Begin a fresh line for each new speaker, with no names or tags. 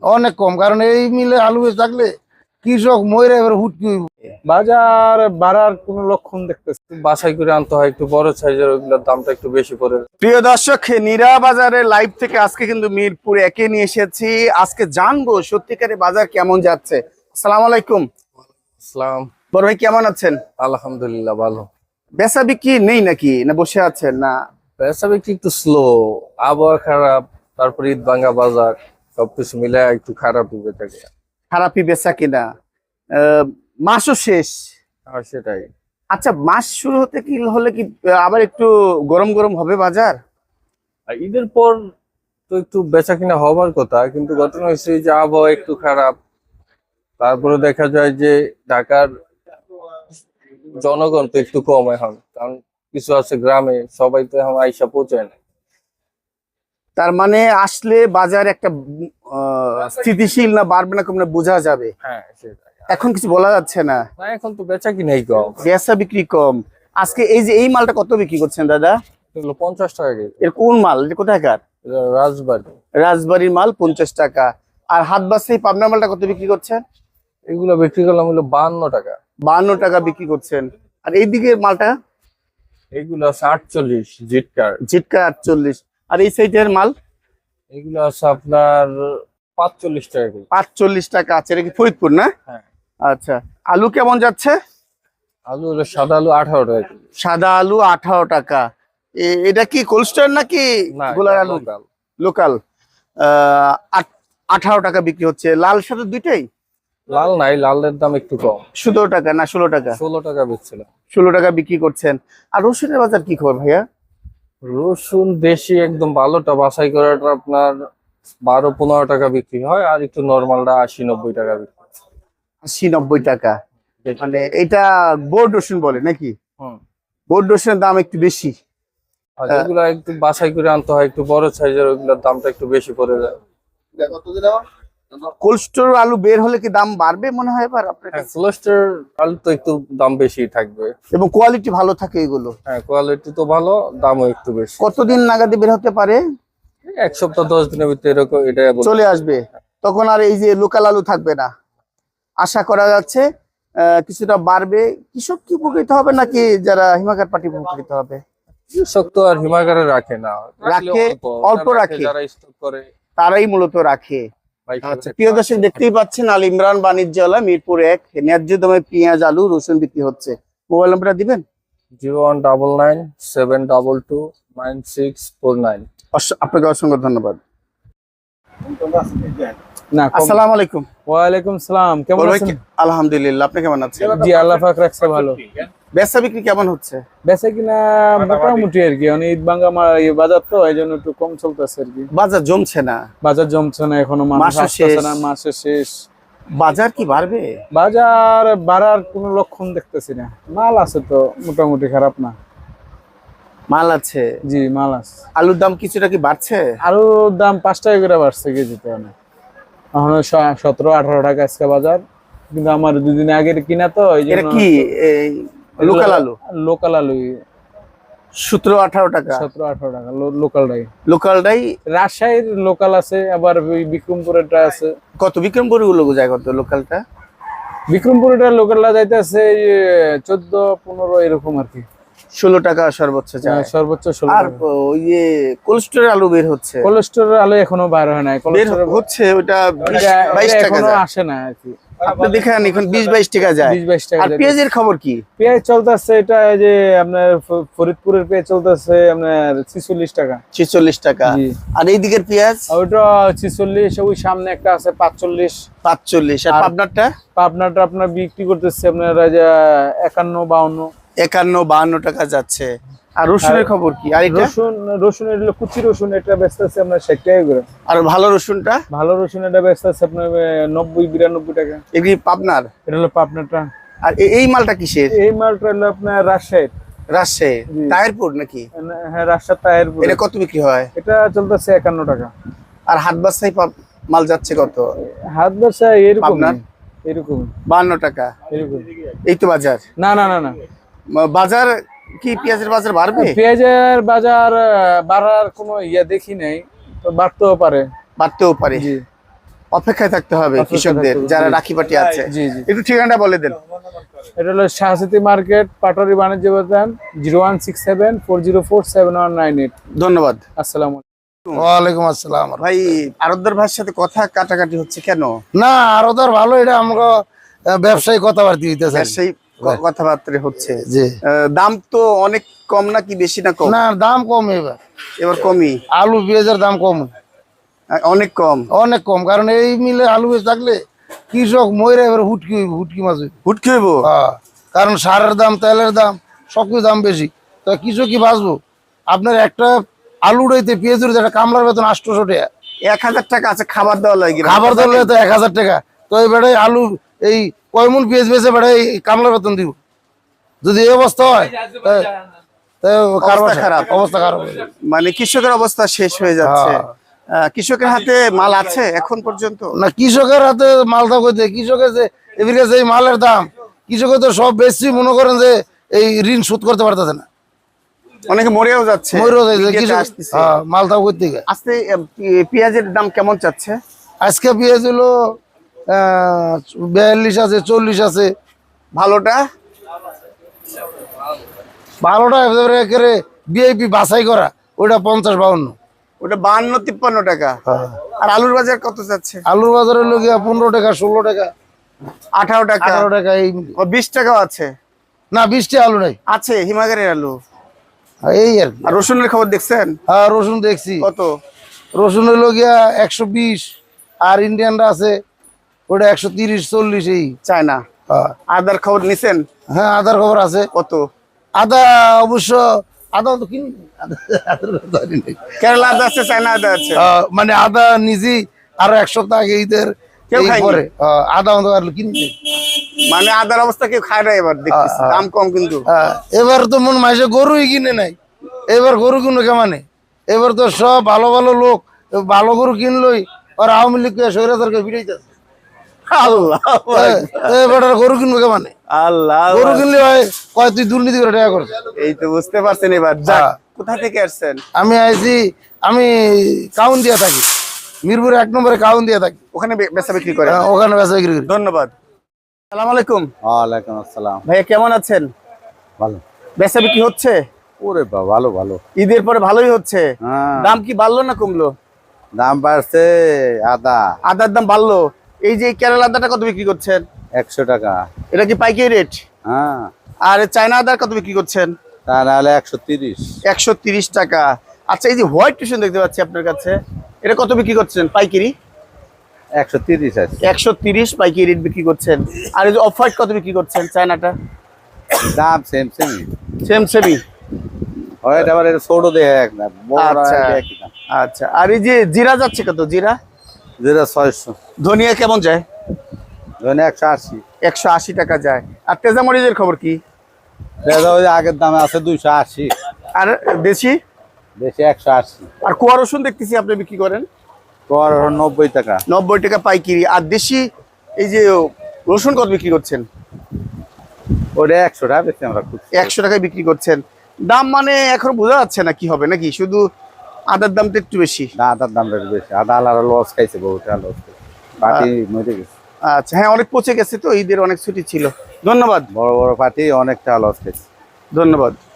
অনেক কম, কারণ এই মিলে আলু বেচে থাকলে কৃষক মরে এবার হুটকি হইব।
বাজার বাড়ার কোনো লক্ষণ দেখতেছি, বাছাই করে আনতে হয়, একটু বড় সাইজের ওইগুলোর দামটা একটু বেশি পড়ে।
প্রিয় দর্শক, নীরা বাজারের লাইভ থেকে আজকে কিন্তু মিরপুর একে নিয়ে এসেছি। আজকে জানবো সত্যিকারে বাজার কেমন যাচ্ছে। আসসালামু আলাইকুম।
ইসলাম,
বড় ভাই কেমন আছেন?
আলহামদুলিল্লাহ ভালো।
বেচা বিক্রি নেই নাকি, না বসে আছেন? না
ব্যবসা বিক্রি একটু স্লো, আবহাওয়া খারাপ, তারপর ঈদ ভাঙ্গা বাজার, সবকিছু মিলে একটু খারাপই বেচাকে।
খারাপই বেচা কিনা? মাসও শেষ।
আর সেটাই।
আচ্ছা, মাস শুরু হতে কি হলে কি আবার একটু গরম গরম হবে বাজার?
আর ঈদের পর তো একটু বেচা কিনা হবার কথা, কিন্তু ঘটনা হয়েছে যে আবহাওয়া একটু খারাপ। তারপরে দেখা যায় যে ঢাকার জনগণ তো একটু কম এখন, কারণ কিছু আছে গ্রামে, সবাই তো এখন আইসা পৌঁছায় না।
তার মানে আসলে বাজার একটা স্থিতিশীল না বাড়বে না কমবে বোঝা যাবে।
হ্যাঁ সেটাই।
এখন কিছু বলা যাচ্ছে না।
না, এখন তো বেচা কিনাই কম।
বেচা বিক্রি কম। আজকে এই মালটা কত বিক্রি করছেন দাদা?
এগুলো 50 টাকা কেজি।
এর কোন মাল, এটা কোথাকার?
এটা রাজবাড়ি।
রাজবাড়ির মাল 50 টাকা। আর হাত বাসাই পাবনা মালটা কত বিক্রি করছেন?
এগুলো বিক্রি করলাম হলো 52 টাকা।
52 টাকা বিক্রি করছেন। আর এইদিকে মালটা?
এগুলো আছে 48 জিটকার।
জিটকা 48। আর এই সাইডের মাল?
এগুলো আছে আপনার 45 টাকা কেজি।
45 টাকা আছে। এটা কি ফরিদপুর না?
হ্যাঁ।
আচ্ছা, আলু কেমন যাচ্ছে?
আলু হলো সাদা আলু 18 টাকা কেজি।
সাদা আলু 18 টাকা। এটা কি কোল্ড স্টোর নাকি
না,
গোলার আলু?
লোকাল।
লোকাল। 18 টাকা বিক্রি হচ্ছে। লাল সাদা দুইটাই?
লাল নাই, লালের দাম একটু কম।
17 টাকা না 16 টাকা?
16 টাকা বেচছিলাম।
16 টাকা বিক্রি করছেন। আর রসুনের বাজার কি খবর ভাইয়া?
রসুন দেশি একদম ভালোটা বাছাই করাটা আপনার 12-15 টাকা বিক্রি হয়, আর একটু নরমালটা 80-90 টাকা বিক্রি হয়।
80-90 টাকা। মানে এটা বোর্ড রসুন বলে নাকি?
হুম।
বোর্ড রসুনের দাম একটু বেশি।
আর যেগুলো একটু বাছাই করে আনতে হয়, একটু বড় সাইজের, ওইগুলোর দামটা একটু বেশি পড়ে যায়।
কোল্ড স্টোর আলু বের হলে কি দাম বাড়বে মনে হয় এবার আপনার
হ্যাঁ,
কাছে?
ক্লাস্টার আলু তো একটু দাম বেশি থাকবে।
এবং কোয়ালিটি ভালো থাকে এগুলো?
হ্যাঁ, কোয়ালিটি তো ভালো, দামও একটু বেশি।
কতদিন নাগাদে বের হতে পারে?
এক সপ্তাহ 10 দিনের ভিতরে এরকম এটাই
চলে আসবে। তখন আর এই যে লোকাল আলু থাকবে না, আশা করা যাচ্ছে কিছুটা বাড়বে। কৃষক কি উপকৃত হবে নাকি যারা হিমাগার পার্টি উপকৃত হবে?
কৃষক তো আর হিমাগারে রাখে না,
রাখে, অল্প রাখে।
যারা স্টক করে
তারাই মূলত রাখে। আচ্ছা, প্রিয় দর্শক দেখতেই পাচ্ছেন আল ইমরান বাণিজ্যালয় মিরপুর 1 ন্যায্য দামে পেঁয়াজ আলু রসুন বিক্রি হচ্ছে। মোবাইল নাম্বারটা দিবেন?
01997229649।
আপনাকে অসংখ্য ধন্যবাদ।
না,
আসসালামু আলাইকুম।
ওয়ালাইকুম সালাম। কেমন আছেন?
আলহামদুলিল্লাহ, আপনি কেমন আছেন?
জি, আল্লাহ পাক রাখছে ভালো।
বেচা বিক্রি কেমন হচ্ছে?
বেচা কিনা মোটামুটি আর কি, অনেক ঈদ ভাঙ্গা বাজার তো এই জন্য একটু কম চলতেছে আর কি।
বাজার জমছে না?
বাজার জমছে না এখনো, মানুষ আসতেছে না, মাসে শেষ।
বাজার কি বাড়বে?
বাজার বাড়ার কোনো লক্ষণ দেখতেছি না। মাল আছে তো মোটামুটি, খারাপ না।
মাল আছে?
জি, মাল আছে।
আলুর দাম কিছুটা কি বাড়ছে?
আলুর দাম 5 টাকা করে বাড়ছে কেজিতে। এখন 17-18 টাকা আজকে বাজার, কিন্তু আমার 2 দিন আগের কিনা তো এই
এটা
জন্য।
কি লোকাল আলু?
লোকাল আলু
17-18 টাকা?
17-18 টাকা লোকালটাই।
লোকালটাই?
রাজশাহীর লোকাল আছে, আবার ওই বিক্রমপুরেরটা আছে।
কত বিক্রমপুর গুলো যায় কত লোকালটা?
বিক্রমপুরেরটা লোকালটা যাইতেছে 14-15 এরকম আর কি।
16 টাকা সর্বোচ্চ যায়?
সর্বোচ্চ 16
আর
টাকা।
ওই যে কোল্ড স্টোরের আলু বের হচ্ছে?
কোল্ড স্টোরের আলু এখনো বাইর হয় নাই।
বের হচ্ছে, ওটা 20-22 টাকা
এখনো
যায়।
আসে না আর কি।
আপনি দেখেন এখন 20-22 টাকা যায়।
20-22 টাকা।
আর পেঁয়াজের খবর কি?
পেঁয়াজ চলতেছে, এটা যে আপনার ফরিদপুরের পেঁয়াজ চলতেছে আপনার 46 টাকা।
46 টাকা।
জি।
আর এই দিকের পেঁয়াজ?
ওইটা 46। ওই সামনে একটা আছে 45।
45। আর পাবনারটা?
পাবনাটা আপনার বিক্রি করতেছে আপনার 51-52।
51-52 টাকা যাচ্ছে। আর রসুনের খবর কি? আর এটা
রসুনের হলো কুচি রসুন, এটা বেচতেছে আপনার 60 টাকা করে।
আর ভালো রসুনটা?
ভালো রসুন এটা বেচতেছে আপনার 90-92 টাকা।
এগুলি পাবনার?
এটা হলো পাবনাটা।
আর এই মালটা কিসের?
এই মালটা হলো আপনার রাজশাহীর।
রাজশাহী তাহিরপুর নাকি?
হ্যাঁ, রাজশাহী তাহিরপুর।
এটা কত বিক্রি হয়?
এটা চলতেছে 51 টাকা।
আর হাট বাসাই মাল যাচ্ছে কত?
হাত ব্যবসা এরকম
আপনার?
এরকম
52 টাকা।
এরকম।
এই তো বাজার?
না না না না,
বাজার কি পেঁয়াজের বাজার বাড়বে?
পেঁয়াজের বাজার বাড়ার কোনো দেখি নাই, তো বাড়তেও পারে।
বাড়তেও পারে।
জি।
অপেক্ষায় থাকতে হবে
অপেক্ষায়
কৃষকদের
থাকতে হবে,
যারা
জি।
রাখি পাটি আছে।
জি জি।
একটু ঠিকানাটা বলে দেন।
এটা হলো শাহসিতি মার্কেট, পাটোয়ারি বাণিজ্য বাজার, 016740479198।
ধন্যবাদ।
আসসালামু আলাইকুম।
ওয়ালাইকুম আসসালাম।
ভাই আরবদার ভাইয়ের সাথে কথা কাটাকাটি হচ্ছে কেন?
না আরো তার ভালো, এটা আমরা ব্যবসায়ী কথাবার্তা হইতেছে।
সেই কথাবার্তা হচ্ছে।
জি।
দাম তো অনেক কম নাকি বেশি না কম?
না দাম কম এবার,
এবার কমই,
আলু পেঁয়াজের দাম কম,
অনেক কম।
অনেক কম। কারণ এই মিলে আলু পেঁয়াজ থাকলে কৃষক ময়রা এবার হুটকি হইব, হুটকি মাছ হইব।
হুটকি হইব।
কারণ সারের দাম, তেলের দাম, সবকিছু দাম বেশি, তো কৃষক কি বাঁচবো? আপনার একটা আলু উড়াইতে পেঁয়াজ উড়াইতে একটা কামলার বেতন 800 টাকা,
1000 টাকা আছে খাবার দেওয়া লাগে।
খাবার ধরলে তো 1000 টাকা। তো এই বেড়াই আলু এই কয় মন পেঁয়াজ বেচে বেড়াই কামলার বেতন দিব? যদি এই অবস্থা হয়
অবস্থা খারাপ।
অবস্থা খারাপ হয়ে যাবে।
মানে কৃষকের অবস্থা শেষ হয়ে যাচ্ছে।
হ্যাঁ।
কৃষকের হাতে মাল আছে এখন পর্যন্ত?
না কৃষকের হাতে মাল থাকতে, কৃষকের যে এবার কাছে এই মালের দাম, কৃষকের তো সব বেশি মনে করেন যে এই ঋণ শোধ করতে পারতেছে না,
অনেকে মরেও যাচ্ছে।
মরেও যাচ্ছে,
মিডিয়াতে
কৃষক
আসতেছে।
মাল থাক করতে।
আজকে পেঁয়াজের দাম কেমন চাচ্ছে?
আজকে পেঁয়াজ হলো 42 আছে, 40 আছে।
ভালোটা?
ভালোটা একেবারে ভিআইপি বাছাই করা, ওটা 50-52।
ওটা 52-53 টাকা। আর আলুর বাজার কত যাচ্ছে?
আলুর বাজারে হলো গিয়া 15 টাকা, 16 টাকা,
18 টাকা,
18 টাকা এই।
ও 20 টাকাও আছে।
না 20টা আলু নাই,
আছে হিমাগারের আলু।
এই আর কি।
আর রসুনের খবর দেখছেন?
হ্যাঁ রসুন দেখছি,
কত?
রসুন হলো গিয়া 120, আর ইন্ডিয়ানটা আছে ওটা 130-40 এই।
চায়না। আদার খবর নিছেন?
হ্যাঁ আদার খবর আছে।
কত?
আদা অবশ্য, আদা তো কিনি নাই। আদার কথা জানি নাই।
কেরালা আদা আছে, চায়না আদা আছে।
মানে আদা নিজেই আরো 1 সপ্তাহ আগে ঈদের
কেউ খায়নি?
পরে আদা অন্ত কিনি নাই।
মানে আদার অবস্থা কেউ খায় না এবার দেখতেছি। দাম কম কিন্তু।
এবার তো মন মাসে গরুই কিনে নাই, এবার গরু কিনো কেমানে? এবার তো সব ভালো ভালো লোক ভালো গরু কিনলই, আর আওয়ামী লীগ স্বৈরাচারকে বিড়াইতেছে।
আল্লাহ
এবার আর গরু কিনবো কেমানে?
আল্লাহ।
গরু কিনলে হয় কয় তুই দুর্নীতি করে টাকা করছিস।
এই তো বুঝতে পারছেন এবার। যাক, কোথা থেকে আসছেন?
আমি আইছি, আমি কাউন দিয়া থাকি, মিরপুর 1 নম্বরে কাউন দিয়া থাকি,
ওখানে বেচা বিক্রি করে?
ওখানে বেচা বিক্রি করি।
ধন্যবাদ। সালাম আলাইকুম।
ওয়ালাইকুম আসসালাম।
ভাইয়া কেমন আছেন?
ভালো।
বেচা বিক্রি হচ্ছে?
ওরে বাবা, ভালো ভালো।
ঈদের পরে ভালোই হচ্ছে।
হ্যাঁ।
দাম কি বাড়লো না কমলো?
দাম বাড়ছে। আদা
আদার দাম বাড়লো। এই যে কেরালা আদাটা কত বিক্রি করছেন?
100 টাকা।
এটা কি পাইকারি রেট?
হ্যাঁ।
আর চায়না আদার কত বিক্রি করছেন?
তা নাহলে 130।
130 টাকা। আচ্ছা, এই যে হোয়াইট টিউশন দেখতে পাচ্ছি আপনার কাছে, এটা কত বিক্রি করছেন পাইকারি?
130 আছে।
130 পাইকারি রেট বিক্রি করছেন। আর এই যে অফ হোয়াইট কত বিক্রি করছেন চায়নাটা?
দাম সেম সেম।
Same semi.
হয় আবার এটা ছোট দেয় একটা, বড়
আচ্ছা
একই দাম।
আচ্ছা। আর এই যে জিরা যাচ্ছে কত? জিরা
যেটা 600,
ধনিয়া কেমন যায়?
ধরে 180।
180 টাকা যায়। আর তেজামরিচের খবর কি?
দেখা ওই আগের দামে আছে 280,
আর দেশি?
বেশি 180।
আর কুয়া রসুন দেখতেছি আপনি বিক্রি করেন
তোর 90 টাকা।
90 টাকা পাইকারি। আর দেশি এই যে রসুন কত বিক্রি করছেন?
ওটা 100 টাকা বেশি আমরা খুঁজছি।
100 টাকায় বিক্রি করছেন। দাম মানে এখন বোঝা যাচ্ছে না কি হবে, নাকি শুধু আদার দামটা একটু বেশি?
না, আদার দামটা একটু বেশি। আদা আলাদা লস খাইছে, বহুত লস খাইছে, পাটি মরে গেছে।
আচ্ছা, হ্যাঁ অনেক পচে গেছে তো, ঈদের অনেক ছুটি ছিল। ধন্যবাদ।
বড় বড় পাটি অনেকটা লস খাইছে।
ধন্যবাদ।